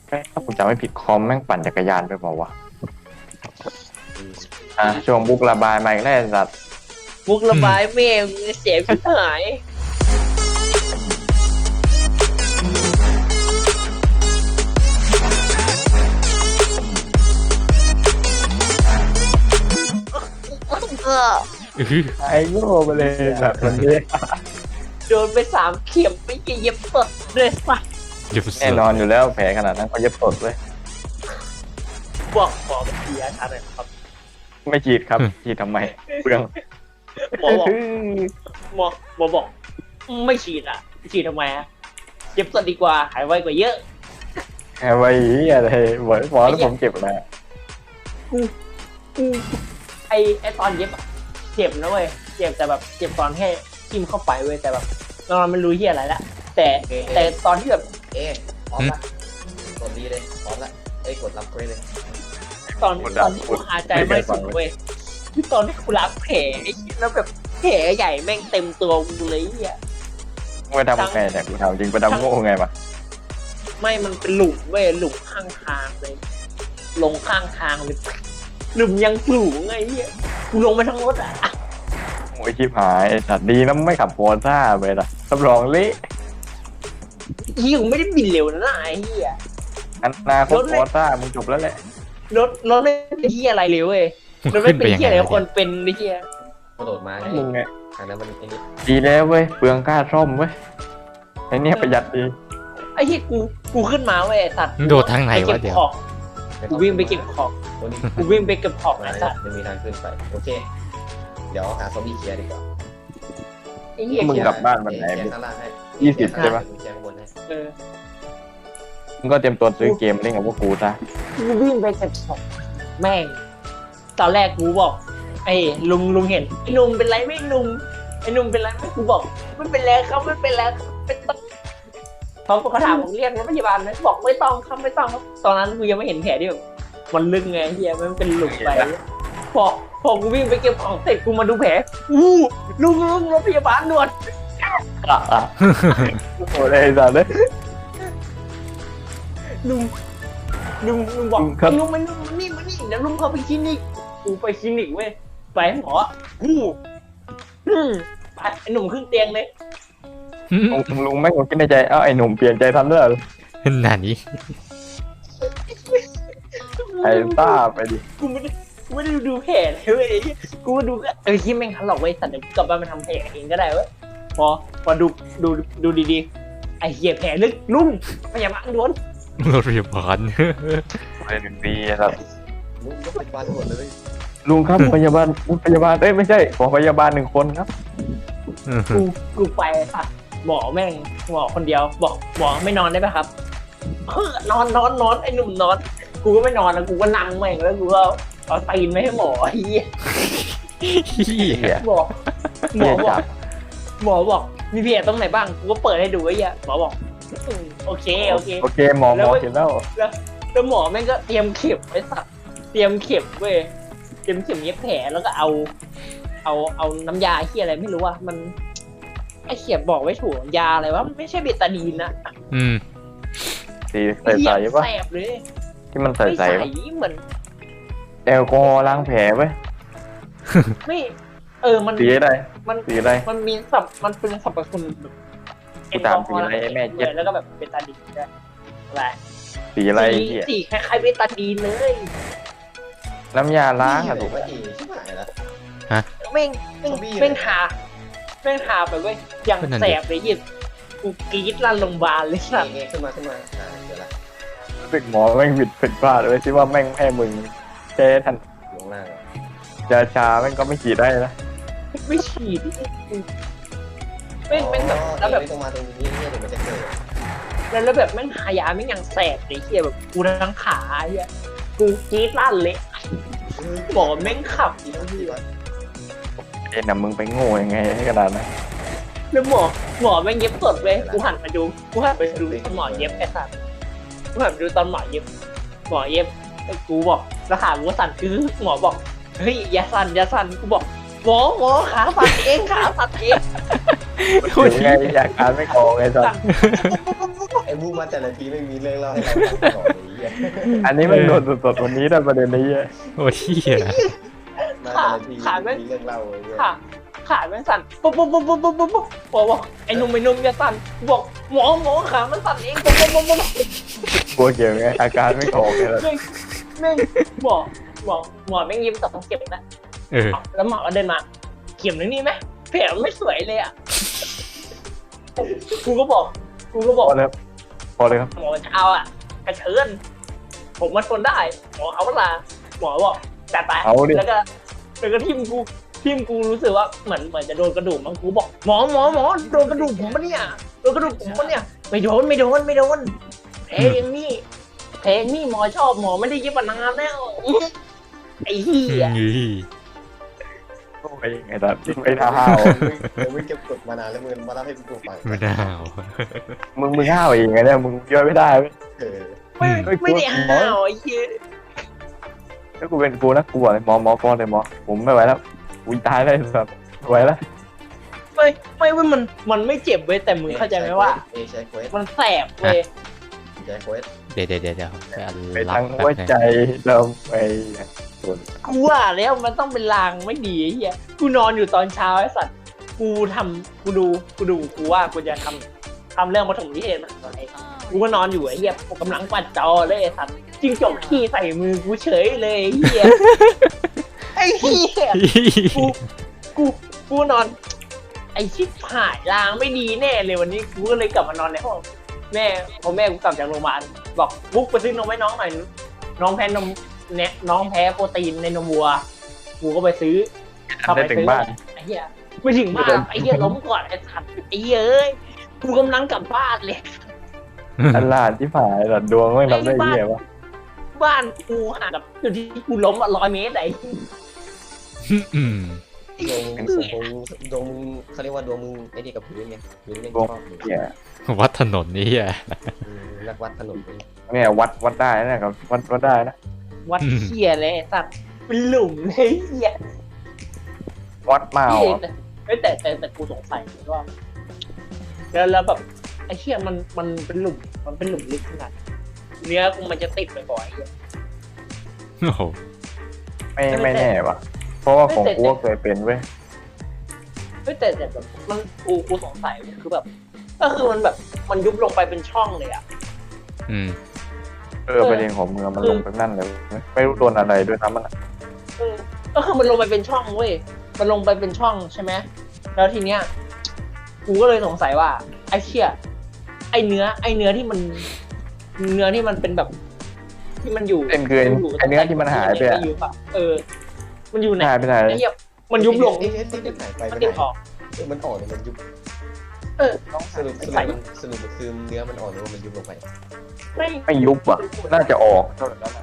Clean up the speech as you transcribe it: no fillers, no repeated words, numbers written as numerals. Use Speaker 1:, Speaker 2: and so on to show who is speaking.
Speaker 1: ถ้าผมจำไม่ผิดคอมแม่งปั่นจักรยานไปเปล่าวะช่วงบุกระบายมาอีกแล้วไอ้สัตว์
Speaker 2: มุกระบายแม่งเสียชิบหาย
Speaker 1: ไอ้โง่ไปเลยแบบวันนี้
Speaker 2: โดนไป3 เข็มไม่เย็บสดเลยว่ะ
Speaker 3: เดี๋ยว
Speaker 1: แน่นอนอยู่แล้วแผลขนาดนั้นเขาเย็บสดเลย
Speaker 2: บอกหมอเป็นเสียชัดเลยครับ
Speaker 1: ไม่ฉีดครับฉีดทำไมเปลือง
Speaker 2: หมอบอกหมอบอกไม่ฉีดอ่ะฉีดทำไมอ่ะเย็บสดดีกว่าหายไวกว่าเยอะ
Speaker 1: แค่ไว้อะไรหมอแล้วผมเจ็บนะ
Speaker 2: กูไอตอนเย็บอะเจ็บนะเว้ยเจ็บแต่แบบเจ็บตอนแค่จิ้มเข้าไปเว้ยแต่แบบตอนนั้นมันรู้ที่อะไรละแต่ตอนที่แบบ
Speaker 4: พร้อมละกดดีเลยพร้อมละกดรับเควสเลย
Speaker 2: ตอนที่กูหาใจไม่สุดเว้ยที่ตอนที่กูล้างแผลไอ้เหี้ยแล้วแบบแผลใหญ่แม่งเต็มตัวกูเลยอ่ะ
Speaker 1: ไปทำไงเนี่ยกูถามจริงไปทำโง่ไงมา
Speaker 2: ไม่มันเป็นหลุมเว้ยหลุมข้างทางเลยลงข้างทางเลยหลุมยังสูงไงเหี้ยกูลงไปทั้งรถอ่ะ
Speaker 1: โอ้ยชิบหายไอ้สัตว์ดีนะไม่ขับโฟร์ซ่าไปละรับรองเละ
Speaker 2: เหี้ยกูไม่ได้บินเร็วนะไอ้เหี้ย
Speaker 1: อนาคตโฟร์ซ่ามึงจบแล้วแหละ
Speaker 2: รถไม่เป็นเหี้ยอะไรเลยเว้ยรถไม่เป็นเหี้ยอะไรคนเป็นไอ้เหี้ย
Speaker 4: กระโดดมา
Speaker 1: มึงไง
Speaker 4: ทางนั้นมันไอ้นี่
Speaker 1: ดีแล้วเว้ยเปลืองค่าซ่อมเว้ยไอ้เนี่ยประหยัดดี
Speaker 2: ไอ้เหี้ยกูขึ้นมาเว้ยสัตว์
Speaker 3: โดดทางไหนวะเดี๋ยว
Speaker 2: กูวิ่งไปเก็บของ
Speaker 4: ตัวนี้
Speaker 2: กูวิ่งไปเก็บของ
Speaker 4: มา
Speaker 2: ไอ้สัตว์
Speaker 4: จะมีทางขึ้นไปโอเคเดี๋ยวหาซอมบี้เคลียร์ดีกว่า
Speaker 2: ไอ้เหี้ย
Speaker 1: มึงกลับบ้านวันไหน
Speaker 4: เคลียร์ข้างล่างให้
Speaker 1: 20ใช่ปะ
Speaker 4: เคลียร์ข้างบนให้
Speaker 2: เออ
Speaker 1: มึงก็เตรียมตัวซื้อเกมเล่นกับพวกกูซะ
Speaker 2: กูวิ่งไปเก็บของแม่งตอนแรกกูบอกไอ้ลุงเห็นไอ้ลุงเป็นไรไม่ลุงไอ้ลุงเป็นไรไม่กูบอกไม่เป็นไรครับไม่เป็นไรเป็นต้องเขาถามผมเรียกรถพยาบาลไหมบอกไม่ต้องครับไม่ต้องครับตอนนั้นกูยังไม่เห็นแผลที่แบบมันลึกไงเฮียมันเป็นหลุมไปพอกูวิ่งไปเก็บของเสร็จกูมาดูแผลอู้ลุงรถพยาบาลด่วน
Speaker 1: โอ้ยไอ้สัตว์เลย
Speaker 2: ลุงบอก
Speaker 1: ครับ
Speaker 2: ลุงมันนี่เดี๋ยวลุงเขาไปคลินิกกูไปคลินิกเว้ยไปหมอไปไอ้หนุ่มขึ้นเตียงเลย
Speaker 1: ลุงแม่งคิดในใจเอ้าไอ้หนุ่มเปลี่ยนใจทันแล้วเหรอ
Speaker 3: หนานี้
Speaker 1: ไอ้ต้าไปดิ
Speaker 2: กูไม่ได้ดูแผลเลยเว้ยกูมาดูที่แม่งทันหรอกเว้ยสัตว์เดี๋ยวกูกลับบ้านมาทำแผลเองก็ได้เว้ยพอดูดีๆไอ้เหี้ยแผลลึกลุงพยาบาลด่วน
Speaker 3: รถพยาบาล
Speaker 1: ไปหนึ่งปีครับ
Speaker 4: ลุงก็เป็นบ้านหมดเลย
Speaker 1: ลุงครับพยาบาลเอ้ยไม่ใช่ขอพยาบาล1 คนครับ
Speaker 2: กูไปค่ะหมอแม่งหมอคนเดียวบอกหมอไม่นอนได้ไหมครับนอนไอ้หนุ่มนอนกูก็ไม่นอนแล้วกูก็นั่งแม่งแล้วกูก็เอาตีนไม่ให้หมอไอ้เหี้ย
Speaker 1: เหี้ย
Speaker 2: บอกหมอ
Speaker 1: เหี้ย
Speaker 2: บอ
Speaker 1: จั
Speaker 2: ก
Speaker 1: บ
Speaker 2: หมอบอกมีเพียตรงไหนบ้างกูก็เปิดให้ดูไอ้เหี้ยหมอบอกโอเค
Speaker 1: โอเคหมอเห็นแล้ว
Speaker 2: แล้วหมอแม่งก็เตรียมเข็มไว้สัตว์เตรียมเข็มเว้ยเตรียมเข็มเย็บแผลแล้วก็เอาน้ำยาเหี้ยอะไรไม่รู้ว่ามันไอ้เขียบบอกไว้ถูกยาอะไรวะมันไม่ใช่เบตาดีนนะ
Speaker 1: สีใสๆป่ะ
Speaker 2: แสบเลย
Speaker 1: ที่มันใส
Speaker 2: ไม่ใส
Speaker 1: ๆป่ะ
Speaker 2: เหมือน
Speaker 1: แอลกอฮอล์ล้างแผลไว้
Speaker 2: ไม่มัน
Speaker 1: สีอะไร
Speaker 2: มัน
Speaker 1: สีอะไร
Speaker 2: มันมีมันเป็นสรรพคุณแบบ
Speaker 1: กูถามสีอะไรแม่เจ็บ
Speaker 2: แล้วก็แบบเบตาดีนด้วยอะไร
Speaker 1: สีอะไรเหี้ย
Speaker 2: สีคล้ายๆเบตาดีนเลย
Speaker 1: น้ำยาล้างอะ
Speaker 4: ถู
Speaker 1: ถู
Speaker 4: ก
Speaker 1: ก
Speaker 4: ไหมชิบหายแล้ว
Speaker 2: แม่ง
Speaker 4: ซอมบี้เลย
Speaker 2: แม่งทาไปเว้ยอย่างแสบเลยยิ่งกูกรี๊ดลั่นโรงพยาบาลเลยสัตว์
Speaker 4: ขึ้นมาเดี๋ยวละ
Speaker 1: สึกหมอแม่งผิดพลาดเลยที่ว่าแม่งให้มึงแค่ทัน
Speaker 4: ลงล่าง
Speaker 1: ยาชาแม่งก็ไม่ฉีดได้นะ
Speaker 2: ไม่ฉีดแม่งแบบแล้วแบบ
Speaker 4: ไม่ต้องมาตรงนี้เนี่ยเดี๋ยวมันจะเกิด
Speaker 2: แล้วแบบแม่งหายาแม่งยังแสบเลยเฮียแบบกูทั้งขาเฮียกูกรี๊ดลั่นเลยหมอแม่งขับ
Speaker 4: ที่ที่ว่า
Speaker 1: เอ็นน่ะมึงไปโง่ยังไงให้กระดานนะ
Speaker 2: แล้วหมอแม่งเย็บสดเว้ยกูหันมาดูตอนหมอเย็บไอ้สัตว์กูหันไปดูตอนหมอเย็บแล้วกูบอกแล้วขากูสั่นคือหมอบอกเฮ้ยอย่าสั่นกูบอกหมอขาสั่นเอง
Speaker 1: ยังไงอยากการไม่ออกไงสัส
Speaker 2: ไอ้
Speaker 4: อ้มูมาแต่ละทีไม่มีเรื่องเล่าให้เราฟังก่อนเลยเหี้ย
Speaker 1: อันนี้มันโดนสดๆวันนี้ได้ประเด็นนี้อะ
Speaker 3: โอ้ยเหี้ย
Speaker 4: มาแต่ละทีมีเรื่องเล่าเลยเนี่ย
Speaker 2: ขาแม่งสั่นปุ๊บปุ๊บปุ๊บปุ๊บปุ๊บปุ๊บปุ๊บบอกไอ้หนุ่มอย่าสั่นบอกหมอขามันสั่นเองปุ๊บปุ๊บปุ๊บปุ๊บ
Speaker 1: กลัวเกี่ยวไงอาการไม่ออกเลย
Speaker 2: แม่งหมอแม่งยิ้มต่อเข็มนะ
Speaker 3: เออ
Speaker 2: แล้วหมอก็เดินมาเข็มนึงนี่ไหมแผลไม่สวยเลยอ่ะกูก็บอก
Speaker 1: พอเลยครับ
Speaker 2: หมอจะเอาอ่ะกระเชิญผมมันทนได้หมอเอาเวลาหมอบอกจัดไป
Speaker 1: เอาดิ
Speaker 2: แล้วก็ทิมกูรู้สึกว่าเหมือนจะโดนกระดูกมั้งกูบอกหมอโดนกระดูกผมปะเนี่ยโดนกระดูกผมปะเนี่ยไม่โดนเพลงนี่หมอชอบหมอไม่ได้ยิบนานแล้วไอ้เหี้ย
Speaker 1: โอ้ยไอ้สัตว์ไม่ท้าห้าว
Speaker 4: มึงเก็บกดมานานแล้วมึงมาเล่าให้กูฟัง
Speaker 3: ไม่น่าเอา
Speaker 1: มึงห้าวเองไงเนี่ยมึงย่อยไม่ได้เว้ย
Speaker 4: เออ
Speaker 2: ไม่ได้ห้าวไอ้เหี้ย
Speaker 1: ถ้ากูเป็นกูนะกูบอกเลยหมอก่อนเลยหมอผมไม่ไหวแล้วกูตายแล้วสัตว์ไม่ไหวแล้ว
Speaker 2: ไม่ว่ามันไม่เจ็บเว้ยแต่มึงเข้าใจไหมว่า
Speaker 4: ใช้เควส
Speaker 2: มันแสบเว้ย
Speaker 4: ใช้เควส
Speaker 3: เดี๋ยวไปอัน
Speaker 1: ไป
Speaker 3: ลั
Speaker 1: ทา
Speaker 3: บ
Speaker 1: ง
Speaker 3: แป๊
Speaker 1: หัว
Speaker 3: บนึง
Speaker 1: ใจเราไปส่วน
Speaker 2: กูว่าแล้วมันต้องเป็นลางไม่ดีไอ้เหี้ยกูนอนอยู่ตอนเช้าไอ้สัตว์กูดูกูว่ากูจะทำเรื่องปฐมนิเทศมาตอนไหนกูก็นอนอยู่ไอ้เหี้ยกูกำลังปัดจอเลยไอ้สัตว์จิ้งจกขี้ใส่มือกูเฉยเลยไอ้เหี้ยไอ้เหี้ยกูนอน ไอ้ชิบหายลางไม่ดีแน่เลยวันนี้กูก็เลยกลับมานอนในห้องแม่พอแม่กูกลับจากโรงพยาบาลบอกบุ๊กไปซื้อนมให้น้องหน่อยน้องแพ้นมเนี่ยน้องแพ้โปรตีนในนมวัวกูก็ไปซื้อ
Speaker 1: ได้ถึงบ้าน
Speaker 2: ไอ้เหี้ยไม่ถึงบ้านไอ้เหี้ยล้มก่อนไอ้สัตว์ไอ้เหี้ยเอ้ยกูกำลังกลับบ้านเลย
Speaker 1: อันลานที่ผ่านแต่ดวงไม่ทำได้เหี้ยวะ
Speaker 2: บ้านกูห่างกับจุดที่กูล้ม100 เมตรไอ้
Speaker 3: อืม
Speaker 4: ดวงมึงเขาเรียกว่าดวงมึงไอ้นี่กับพื้นไงพื้นเล่น
Speaker 1: ดวง
Speaker 4: ชอบอยู่
Speaker 1: เหี้ย
Speaker 3: วัดถนนนี่เหี้ย
Speaker 4: นักวัดถนน
Speaker 1: เนี่ยวัดได้นะครับวัดได้นะ
Speaker 2: วัดเหี้ยเลยไอ้สัตว์เป็นหลุมเลยไอ้เหี้ย
Speaker 1: วัดเมา
Speaker 2: แต่กูสงสัยว่าแล้วแบบไอ้เหี้ยมันเป็นหลุมลึกขนาดเนื้อกูมันจะติดบ่อยๆ
Speaker 3: โอ้โห
Speaker 1: ไม่แน่วะเพราะว่าของกูก็เคยเป็นเว้ย
Speaker 2: แต่แบบมันกูสงสัยคือแบบก็คือมันแบบมันยุบลงไปเป็นช่องเลยอ่ะ
Speaker 3: อืม
Speaker 1: ประเด็นของเมืองมันลงไปนั่นเลยไม่รู้โดนอะไรด้วยนะมัน
Speaker 2: ก็คือมันลงไปเป็นช่องเว้ยมันลงไปเป็นช่องใช่ไหมแล้วทีเนี้ยกูก็เลยสงสัยว่าไอ้เชี่ยไอ้เนื้อที่มันเป็นแบบ ที่มันอยู่
Speaker 1: เป็นคือไอ้เนื้อที่มันหายไปอะ
Speaker 2: มันอยู่ไหน
Speaker 1: หายไปไหน
Speaker 2: ไอ้เหี้ยมันยุบลง
Speaker 4: ที่หายไป
Speaker 2: มัน
Speaker 4: ไม่
Speaker 2: ติด
Speaker 4: ได้
Speaker 2: ออก
Speaker 4: มันอ่อนหรือมันยุบ สรุปคือเนื้อมันอ่อนหรือว่ามันยุบลงไป
Speaker 2: ไม่
Speaker 1: ไม่ยุบอ่ะน่าจะออกเท่านั้น